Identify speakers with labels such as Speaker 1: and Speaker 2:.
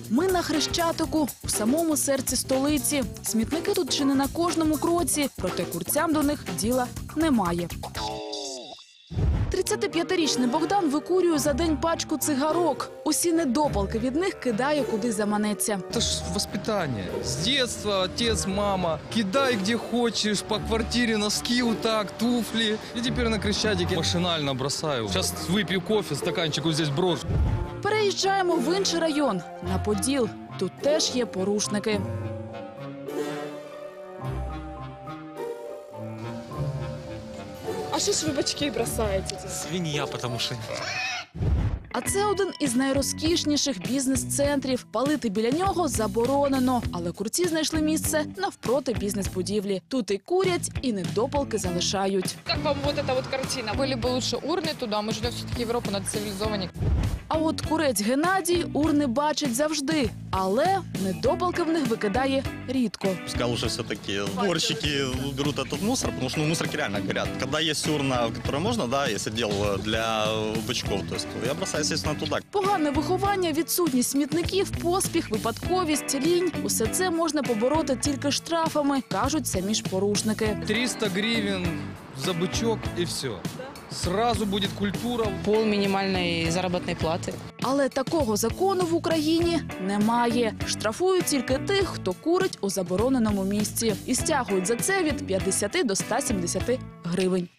Speaker 1: Ми на Хрещатику, у самому серці столиці. Смітники тут чи не на кожному кроці, проте курцям до них діла немає. 35-річний Богдан викурює за день пачку цигарок. Усі недопалки від них кидає, куди заманеться.
Speaker 2: Это ж воспитание. С детства отец, мама. Кидай где хочешь, по квартире носки вот так, туфли. И теперь на Крещатике машинально бросаю. Сейчас выпью кофе, стаканчик вот здесь брошу.
Speaker 1: Переїжджаємо в інший район, на Поділ. Тут теж є порушники.
Speaker 3: А що ж ви бачки бросаєте?
Speaker 4: Свинья, потому что...
Speaker 1: А це один із найрозкішніших бізнес-центрів. Палити біля нього заборонено. Але курці знайшли місце навпроти бізнес-будівлі. Тут і курять, і недопалки залишають.
Speaker 3: Як вам вот эта вот картина? Были бы лучше урны туда, мы живем все-таки Европу, надо цивилизованнее.
Speaker 1: А от курець Геннадій урни бачить завжди. Але недопалки в них викидає рідко.
Speaker 5: Пускай лучше все-таки уборщики уберут этот мусор, потому что мусорки реально горят. Когда есть урна, в которой можно, да, если дел для бычков, то есть я бросаю, естественно, туда.
Speaker 1: Погане виховання, відсутність смітників, поспіх, випадковість, лінь – усе це можна побороти тільки штрафами, кажуть самі ж порушники.
Speaker 2: 300 гривен за бычок и все. Сразу будет культура.
Speaker 6: Пол минимальной заработной платы.
Speaker 1: Але такого закону в Україні немає. Штрафують тільки тих, хто курить у забороненому місці. І стягують за це від 50 до 170 гривень.